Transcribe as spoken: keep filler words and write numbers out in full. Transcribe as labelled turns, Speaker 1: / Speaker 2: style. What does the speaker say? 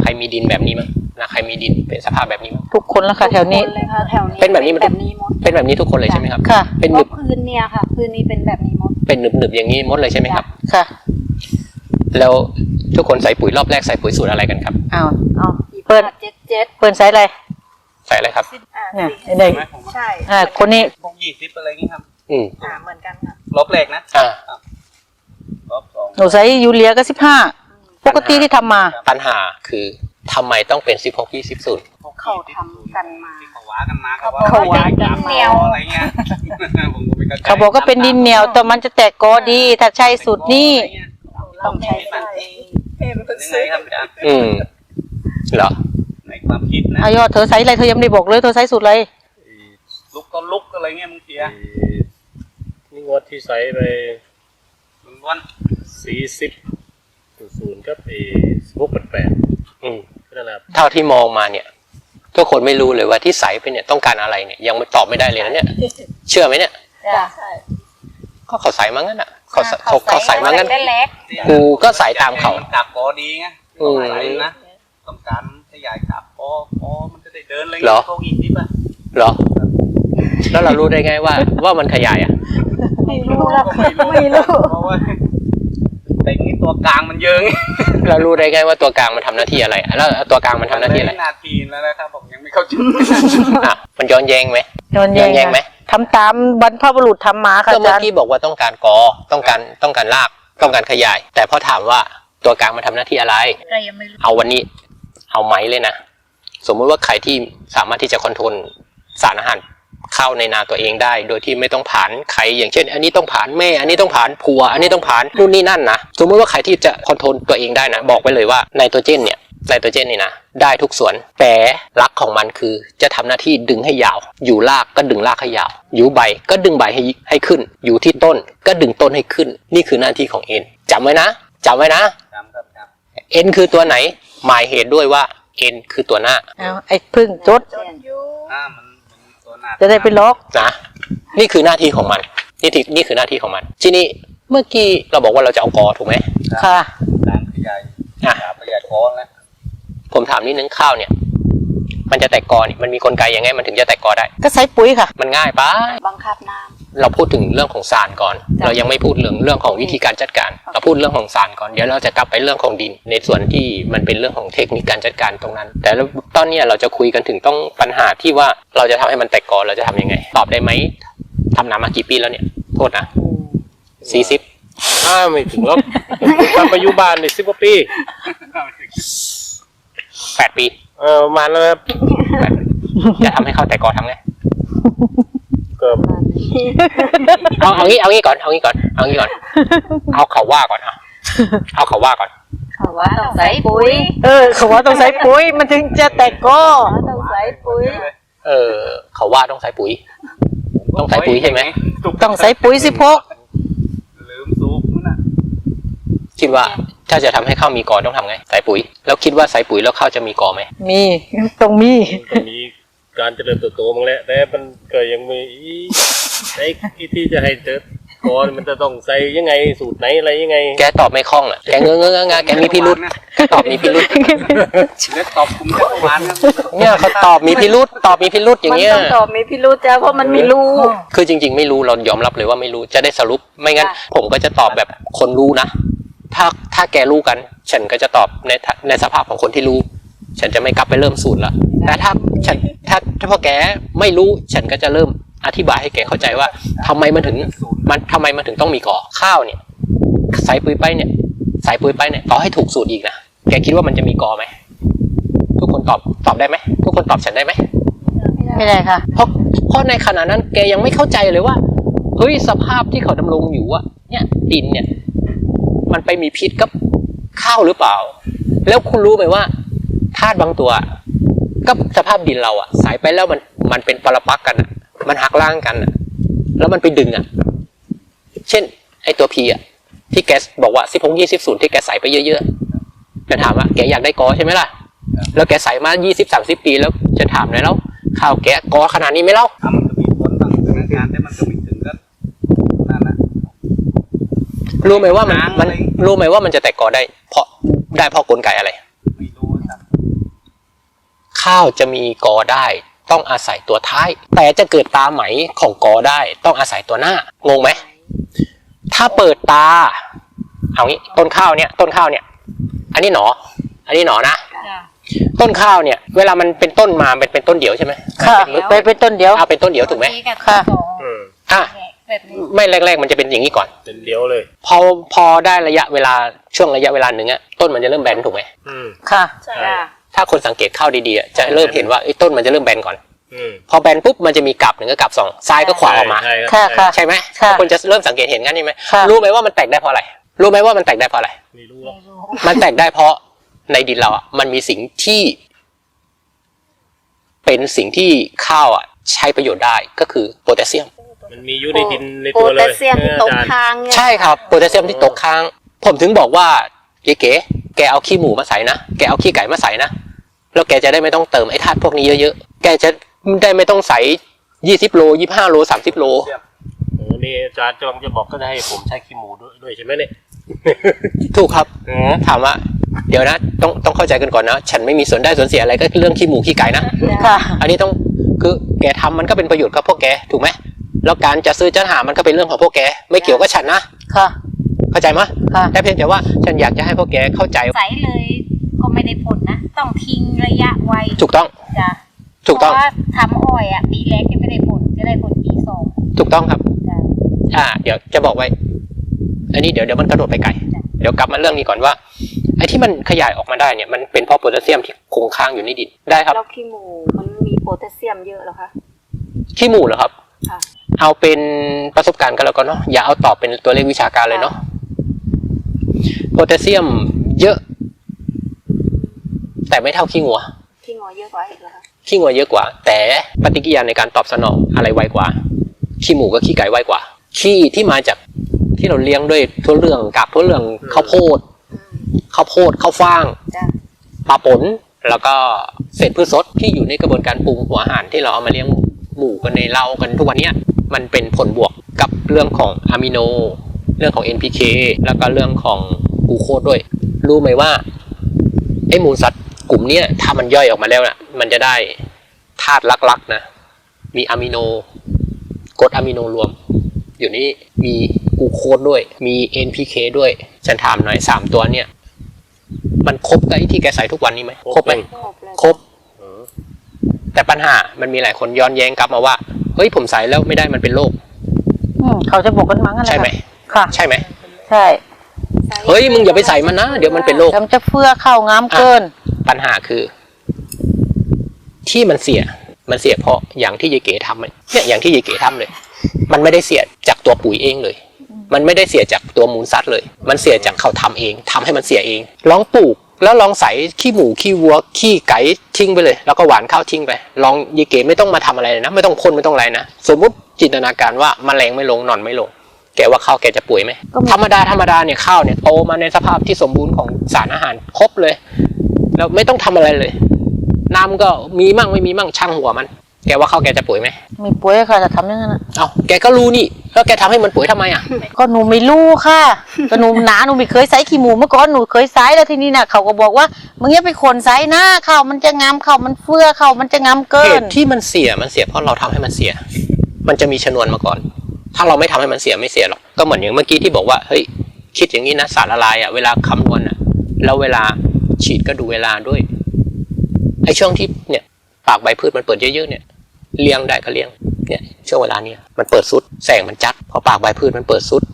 Speaker 1: รมีดินแบบนี้มั้งนาใครมีดินเป็นสภาพแบบนี้มั้ง
Speaker 2: ทุกคนแล้วค่ะแถวนี้
Speaker 1: เป็นแบบนี้มัน
Speaker 3: แบบนี้หมด
Speaker 1: เป็นแบบนี้ทุกคนเลยใช่ไหมครับ
Speaker 2: ค่ะ
Speaker 1: เป็นหนึบ
Speaker 3: พื้นเนี่ยค่ะพื้นนี้เป็นแบบนี้หมด
Speaker 1: เป็นหนึบหนึบอย่างนี้หมดเลยใช่ไหมครับ
Speaker 2: ค่ะ
Speaker 1: แล้วทุกคนใส่ปุ๋ยรอบแรกใส่ปุ๋ยสูตรอะไรกันครับ
Speaker 2: อ้าว
Speaker 3: อ๋อ
Speaker 2: เปิด
Speaker 3: เจ็ดเจ็ด
Speaker 2: เปิดไซส์อะไร
Speaker 1: ใส่อะไรครับ
Speaker 2: เนี่ยไอ้
Speaker 3: ใช่
Speaker 2: อ่าคนนี้
Speaker 4: พวกยี่สิบอะไรอย่างงี้ครับ
Speaker 1: อืม
Speaker 3: อ่าเหมือนกันค่ะ
Speaker 4: ลบเลขนะ
Speaker 1: อ่า
Speaker 4: ลบสอง
Speaker 2: หนูไซส์ยูเรียก็สิบห้าปกติที่ทำมา
Speaker 1: ปัญหาคือทำไมต้องเป็นสิบหกยี่สิบศูนย์
Speaker 3: เขาทำกันมา
Speaker 4: ที่เขาว่ากันมาเขาว่า
Speaker 3: เขาว่า
Speaker 4: ย้าย
Speaker 3: เหนียว
Speaker 4: อะไรเงี้ยผมก็ไม่เข้าใจ
Speaker 2: เขาบอกก็เป็นดินเหนียวแต่มันจะแตกกอดีถ้าใช่สูตรนี้
Speaker 3: ต้องใช้ใส่เพิ่ม
Speaker 4: เป็นยังไงครับอาจารย์
Speaker 1: อืมเหรอ
Speaker 4: ในความคิดนะ
Speaker 2: อายอดเธอไซส์อะไรเธอยังไม่ได้บอกเลยเธอไซส์สูตรอะไร
Speaker 4: ลุกก็ลุกอะไรเงี้ยบางทีอะ
Speaker 5: นี่งวดที่ใส่ไป
Speaker 4: ล้วน
Speaker 5: สี่สิบศูนย์กับเอพวกแปดแปด
Speaker 1: อืม
Speaker 5: นั่นแหละ
Speaker 1: เท่าที่มองมาเนี่ยทุกคนไม่รู้เลยว่าที่ใส่ไปเนี่ยต้องการอะไรเนี่ยยังไม่ตอบไม่ได้เลยนะเนี่ยเชื่อไหมเนี่ย
Speaker 3: จ้ะ
Speaker 1: ก็เขาใส่มางั้นอ่ะเขาเขาเขาใส่มางั้น
Speaker 3: ได้เล็ก
Speaker 1: กูก็ใส่ตามเขา
Speaker 4: กลับกอดีไง
Speaker 1: อืม
Speaker 4: ใส่นะต้องการขยายกลับกอกอมันจะได้เดินอะไร
Speaker 1: เหรอ
Speaker 4: เงี้ยพวกยี่สิบอะ
Speaker 1: เหรอแล้วเรารู้ได้ไงว่าว่ามันขยายอ่ะ
Speaker 3: ไม่รู้ละ
Speaker 4: ก็ไม่รู้
Speaker 3: ไม่รู้
Speaker 4: เพราะว่าแต่งนี่ตัวกลางมันเยอะ
Speaker 1: เรารู้ได้ไงว่าตัวกลางมันทำหน้าที่อะไรแล้วตัวกลางมันทำหน้าที่อะไร
Speaker 4: นาทีแล้วนะครับผมยังไม่เข้าใจ
Speaker 1: อ่ะมันย้อนแย้งไหม
Speaker 2: ย้อนแย้ง
Speaker 1: ย้อนแย้งไหม
Speaker 2: ทำตามบรรพบุรุษทำมาค่ะ
Speaker 1: ก็
Speaker 2: อา
Speaker 1: เมื่อ
Speaker 2: จารย์
Speaker 1: กี้บอกว่าต้องการกอต้องการต้องการรากต้องการขยาย แต่พอถามว่าตัวกลางมันทำหน้าที่อะไร
Speaker 3: เรายังไม่รู้
Speaker 1: เอาวันนี้เอาไหมเลยนะสมมติว่าใครที่สามารถที่จะคอนโทรลสารอาหารเข้าในนาตัวเองได้โดยที่ไม่ต้องผ่านใครอย่างเช่น อันนี้ต้องผ่านแม่อันนี้ต้องผ่านผัวอันนี้ต้องผ่านนู่นนี่นั่นนะสมมติว่าใครที่จะคอนโทรลตัวเองได้นะบอกไปเลยว่าไนโตรเจนเนี่ยไนโตรเจนนี่นะได้ทุกส่วนแต่ลักของมันคือจะทำหน้าที่ดึงให้ยาวอยู่รากก็ดึงรากให้ยาวอยู่ใบก็ดึงใบให้ให้ขึ้นอยู่ที่ต้นก็ดึงต้นให้ขึ้นนี่คือหน้าที่ของเอ็นจำไว้นะจำไว้นะ
Speaker 4: ครับครับครับ
Speaker 1: เอ็นคือตัวไหนหมายเหตุด้วยว่าเอ็นคือตัวหน้า
Speaker 2: เอาไอ้พึ่งจด
Speaker 4: อ่ามันมันตัวหน้า
Speaker 2: จะได้ไปล็อก
Speaker 1: นะนี่คือหน้าที่ของมันนี่ที่นี่คือหน้าที่ของมันทีนี้เมื่อกี้เราบอกว่าเราจะเอากอถูกไหม
Speaker 2: ค่ะ
Speaker 4: การขยาย
Speaker 1: อ่ะ
Speaker 4: ขยายคอนแล้ว
Speaker 1: ผมถามนิดนึงข้าวเนี่ยมันจะแตกกอเนี่ยมันมีกลไกยังไงมันถึงจะแตกกอได้
Speaker 2: ก็ใส่ปุ๋ยค่ะ
Speaker 1: มันง่ายปะ
Speaker 3: บังคับน้
Speaker 1: เราพูดถึงเรื่องของสารก่อน เรายังไม่พูดเรื่องเรื่องของวิธีการจัดการเราพูดเรื่องของสารก่อนเดี๋ยวเราจะกลับไปเรื่องของดินในส่วนที่มันเป็นเรื่องของเทคนิคการจัดการตรงนั้น แต่ตอนนี้เราจะคุยกันถึงต้องปัญหาที่ว่าเราจะทำให้มันแตกกอเราจะทำยังไงตอบได้ไหมทำนามากี่ปีแล้วเนี่ยโทษนะสี่สิบ
Speaker 5: อ้าไม่ถึงหรอกทำปัจจุบันในสิบกว่าปี
Speaker 1: แปดปี
Speaker 5: เออประมาณแล้วครับ
Speaker 1: แปดปีจะทำให้เข้าแตกกอทำไง
Speaker 5: เกือบ
Speaker 1: เอาเอางี้เอางี้ก่อนเอางี้ก่อนเอางี้ก่อนเอาเขาว่าก่อนอ่ะเอาเขาว่าก่อน
Speaker 3: ำเขาว่าต้องใส่ปุ๋ย
Speaker 2: เออเขาว่าต้องใส่ปุ๋ยมันถึงจะแตกกอ
Speaker 3: ต้องใส่ปุ๋ย
Speaker 1: เออเขาว่าต้องใส่ปุ๋ย ต้องใส่ปุ๋ยใช่ไหม
Speaker 2: ต้องใส่ปุ๋ยสิพก
Speaker 4: ลืมสูบนั่นน่ะ
Speaker 1: คิดว่าถ้าจะทำให้ข้าวมีกอต้องทำไงใส่ปุ๋ย แล้วคิดว่าใส่ปุ๋ยแล้วข้าวจะมีกอไหม
Speaker 2: มีต้องมี
Speaker 5: มันมีการเจริญเติบโตมั้งแหละแต่มันก็ยังมีไอ้ที่จะให้เจอก่อนมันจะต้องใส่ยังไงสูตรไหนอะไรยังไง
Speaker 1: แกตอบไม่คล่องอ่ะแกเงอะเงอะงะแกมีพิรุษแกตอบมีพิรุษ
Speaker 4: เล็กตอบผมจะประมาณนั้น
Speaker 1: เนี่ยเขาตอบมีพิรุษตอบมีพิรุษอย่างเงี้ย
Speaker 3: มันต้องตอบมีพิรุธจ้าเพราะมันไม่รู้
Speaker 1: คือจริง ๆ ไม่รู้เรายอมรับเลยว่าไม่รู้จะได้สรุปไม่งั้น ผมก็จะตอบแบบคนรู้นะถ้าถ้าแกรู้กัน ฉันก็จะตอบในในสภาพของคนที่รู้ ฉันจะไม่กลับไปเริ่มสูตรละแต่ถ้าฉันถ้าถ้าพอแกไม่รู้ฉันก็จะเริ่มอธิบายให้แกเข้าใจว่าทำไมมันถึงมันทำไมมันถึงต้องมีกอข้าวเนี่ยใส่ปุ๋ยไปเนี่ยใส่ปุ๋ยไปเนี่ยต่อให้ถูกสูตรอีกนะแกคิดว่ามันจะมีกอไหมทุกคนตอบตอบได้ไหมทุกคนตอบฉันได้ไหม
Speaker 2: ไม่ได้ค่ะ
Speaker 1: เพราะเพราะในขณะนั้นแกยังไม่เข้าใจเลยว่าเฮ้ยสภาพที่เขาดำรงอยู่อะเนี่ยดินเนี่ยมันไปมีพิษกับข้าวหรือเปล่าแล้วคุณรู้ไหมว่าธาตุบางตัวกับสภาพดินเราอะสายไปแล้วมันมันเป็นปรปักษ์กันอะมันหักล้างกันอะแล้วมันไปดึงอะเช่นไอตัวพีอะที่แกบอกว่าสิบหกยี่สิบศูนย์ที่แกใส่ไปเยอะๆจะถามว่าแกอยากได้กอใช่ไหมล่ะแล้วแกใส่มายี่สิบสามสิบปีแล้วจะถามเลยแล้วข้าวแกกอขนาดนี้ไหมเล่า
Speaker 4: มันก็มีผลบางสถานการณ์แต่มันก็ไม่ถึงก็นั่นนะ
Speaker 1: รู้ไหมว่ามัน
Speaker 4: หาง
Speaker 1: มัน
Speaker 4: อะไร
Speaker 1: รู้ไหมว่ามันจะแตกกอได้เพราะได้เพราะกลไกอะไร
Speaker 4: ไม่รู้ครับ
Speaker 1: ข้าวจะมีกอได้ต้องอาศัยตัวท้าย แต่จะเกิดตาไหมของกอได้ต้องอาศัยตัวหน้างงไหมถ้าเปิดตาเอางี้ต้นข้าวเนี่ยต้นข้าวเนี่ยอันนี้หนออันนี้หนอนะต้นข้าวเนี่ยเวลามันเป็นต้นมาเป็นเป็นต้นเดี่ยวใช่ไหม
Speaker 2: ค่ะ
Speaker 1: มัน
Speaker 2: ไป
Speaker 1: เป็น
Speaker 2: เป็นต้นเดียว
Speaker 1: เอาเป็นต้นเดี่ยวถูกไหม
Speaker 2: ค่ะ
Speaker 5: อืม
Speaker 1: อ่ะ
Speaker 3: แบบนี้
Speaker 1: ไม่แรกๆมันจะเป็นอย่างนี้ก่อน
Speaker 5: เป็นเดียวเลย
Speaker 1: พอพอได้ระยะเวลาช่วงระยะเวลาหนึ่งอะต้นมันจะเริ่มแบนถูกไหม
Speaker 5: อืม
Speaker 2: ค่ะ
Speaker 3: ใช่
Speaker 1: ถ้าคนสังเกตข้าวดีๆอะจะเริ่มเห็นว่าไอ้ต้นมันจะเริ่มแบนก่อน
Speaker 5: อืม
Speaker 1: พอแบนปุ๊บมันจะมีกลับหนึ่งกับกลับสองซ้ายก็ขวาออกมา
Speaker 5: ใช่รับ
Speaker 2: ค่ะค่ะ
Speaker 1: ใช่ไหม
Speaker 2: ค่ะ
Speaker 1: คนจะเริ่มสังเกตเห็นงั้นใช่ไหม
Speaker 2: ค่ะ
Speaker 1: รู้ไหมว่ามันแตกได้เพราะอะไรรู้ไหมว่ามันแตกได้เพราะอะไร
Speaker 5: ไม่รู้หรอก
Speaker 1: มันแตกได้เพราะในดินเราอ่ะมันมีสิ่งที่ เป็นสิ่งที่ข้าวอ่ะใช้ประโยชน์ได้ก็คือโพแทสเซียม
Speaker 5: มันมีอยู่ในดินใน
Speaker 3: โพ
Speaker 5: ตัวเล
Speaker 3: แท
Speaker 5: ย
Speaker 3: สเซียมที่ตกค้างเนี่ย
Speaker 1: ใช่ครับโพแทสเซียมที่ตกค้าง ผมถึงบอกว่าเก๋ๆแกเอาขี้หมูมาใส่นะแกเอาขี้ไก่มาใส่นะแล้วแกจะได้ไม่ต้องเติมไอ้ธาตุพวกนี้เยอะๆแกจะได้ไม่ต้องใส่ยี่สิบโลยี่สิบห้าโลสามสิบโล
Speaker 5: โอ้นี่อาจารย์จองจะบอกก็จะให้ผมใช้ขี้หมูด้วยด้วยใช่ไหมเนี่ย
Speaker 1: ถูกครับ
Speaker 5: อืม
Speaker 1: ถามว่าเดี๋ยวนะต้องต้องเข้าใจกันก่อนนะฉันไม่มีส่วนได้ส่วนเสียอะไรก็เรื่องขี้หมูขี้ไก่นะ
Speaker 2: ค่ะ
Speaker 1: อันนี้ต้องคือแกทำมันก็เป็นประโยชน์กับพวกแกถูกไหมแล้วการจะซื้อจะหามันก็เป็นเรื่องของพวกแกไม่เกี่ยวกับฉันนะ
Speaker 2: ค่ะ
Speaker 1: เข้าใจไหม
Speaker 2: ค่ะ
Speaker 1: แต่เพียงแต่ว่าฉันอยากจะให้พวกแกเข้าใจ
Speaker 6: ใสเลยก็ไม่ได้ผลนะ ต้องทิ้งระยะไว้
Speaker 1: ถูกต้อง
Speaker 6: จ้ะ
Speaker 1: ถูกต้อง
Speaker 6: เพราะว่าทำอ้อยอ่ะปีแรกจะไม่ได้ผลจะได้ผลปีสอง
Speaker 1: ถูกต้องครับ
Speaker 6: จ้ะ
Speaker 1: อ่า เดี๋ยวจะบอกไว้ อันนี้เดี๋ยวเดี๋ยวมันกระโดดไปไกลเดี๋ยวกลับมาเรื่องนี้ก่อนว่าไอ้ที่มันขยายออกมาได้เนี่ยมันเป็นเพราะโพแทสเซียมที่คงค้างอยู่ในดินได้ครับ
Speaker 3: แล้วขี้หมูมันมีโพแทสเซียมเยอะเหรอคะ
Speaker 1: ขี้หมูเหรอครับ
Speaker 3: ค่ะ
Speaker 1: เอาเป็นประสบการณ์กันแล้วกันเนาะอย่าเอาตอบเป็นตัวเลขวิชาการเลยเนาะโพแทสเซียมเยอะ แต่ไม่เท่าขี้งัว
Speaker 3: ที่งอเยอะกว่าอีกเหรอคะ
Speaker 1: ขี้งัวเยอะกว่า แต่ปฏิกิริยาในการตอบสนองอะไรไวกว่าขี้หมูกับขี้ไก่ไวกว่าขี้ที่มาจากที่เราเลี้ยงด้วยทั่วเรื่องกาบทั่วเรื่องข้าวโพด
Speaker 3: อืม
Speaker 1: ข้าวโพดข้าวฟ่าง
Speaker 3: จ้ะ
Speaker 1: ปลาปนแล้วก็เศษพืชสดที่อยู่ในกระบวนการปรุงหัวอาหารที่เราเอามาเลี้ยงหมูกันในเรากันทุกวันเนี้ยมันเป็นผลบวกกับเรื่องของอะมิโน เรื่องของ เอ็น พี เค แล้วก็เรื่องของกลูโคสด้วย รู้ไหมว่าไอ้มูลสัตว์กลุ่มเนี้ยถ้ามันย่อยออกมาแล้วน่ะมันจะได้ธาตุลักๆนะมีอะมิโนกรดอะมิโนรวม อยู่นี่มีกลูโคสด้วยมี เอ็น พี เค ด้วยฉันถามหน่อยสามตัวเนี่ยมันครบกับไอ้ที่แกใส่ทุกวันนี้ไหมครบไหม
Speaker 3: ครบเลย
Speaker 1: ครบ
Speaker 5: เออ
Speaker 1: แต่ปัญหามันมีหลายคนย้อนแย้งกลับมาว่าเฮ้ยผมใส่แล้วไม่ได้มันเป็นโรค
Speaker 2: อืมเขาจะบอกกันมั้งอะไร
Speaker 1: ใช่ไหม
Speaker 2: ค่ะ
Speaker 1: ใช่ไหม
Speaker 2: ใช่
Speaker 1: เฮ้ยมึงอย่าไปใส่มันนะเดี๋ยวมันเป็นโรค
Speaker 2: ทำจะเฟื่อเข้างามเกิน
Speaker 1: ปัญหาคือ ที่มันเสียมันเสียเพราะอย่างที่ยายเก๋ทำเนี่ยอย่างที่ยายเก๋ทำเลย มันไม่ได้เสียจากตัวปุ๋ยเองเลย มันไม่ได้เสียจากตัวมูลสัตว์เลย มันเสียจากเขาทำเองทำให้มันเสียเองลองปลูกแล้วลองใส่ขี้หมูขี้วัวขี้ไก่ทิ้งไปเลย แล้วก็หวานข้าวทิ้งไปลองยายเก๋ไม่ต้องมาทำอะไรเลยนะไม่ต้องพ่นไม่ต้องอะไรนะสมมุติจินตนาการว่าแมลงไม่ลงหนอนไม่ลง แกว่าข้าวแกจะป่วยไหม
Speaker 2: ก็ไม่
Speaker 1: ธรรมดาธรรมดาเนี่ยข้าวเนี่ยโตมาในสภาพที่สมบูรณ์ของสารอาหารครบเลยแล้วไม่ต้องทำอะไรเลย น้ำก็มีมั่งไม่มีมั่งช่างหัวมัน แกว่าข้าวแกจะป่วยไหม
Speaker 2: ไม่ป่วยค่ะจะทำอยังไงนะ
Speaker 1: เอ้าแกก็รู้นี่แล้วแกทำให้มันป่วยทำไมอ่ะ
Speaker 2: ก็หนูไม่รู้ค่ะก็หนูหนาหนูไม่เคยใส่ขี้หมูเมื่อก่อนหนูเคยใส่แล้วทีนี้น่ะเขาก็บอกว่ามึงอย่าไปขนใส่หน้าข้าวมันจะงามข้าวมันเฟื่อข้าวมันจะงามเกิ
Speaker 1: เห
Speaker 2: น
Speaker 1: ตุที่มันเสียมันเสียเพราะเราทำให้มันเสีย มันจะมีชนวนมาก่อน ถ้าเราไม่ทำให้มันเสียไม่เสียหรอกก็เหมือนอย่างเมื่อกี้ที่บอกว่าเฮ้ยคิดอย่างนี้นะสารละลายอ่ะเวลาคำนวณอ่ะแล้วเวลาฉีดก็ดูเวลาด้วยไอ้ช่วงที่เนี่ยปากใบพืชมันเปิดเยอะๆเนี่ยเลี้ยงได้ก็เลี้ยงเนี่ยช่วงเวลาเนี้ยมันเปิดสุดแสงมันจัดพอปากใบพืชมันเปิดสุด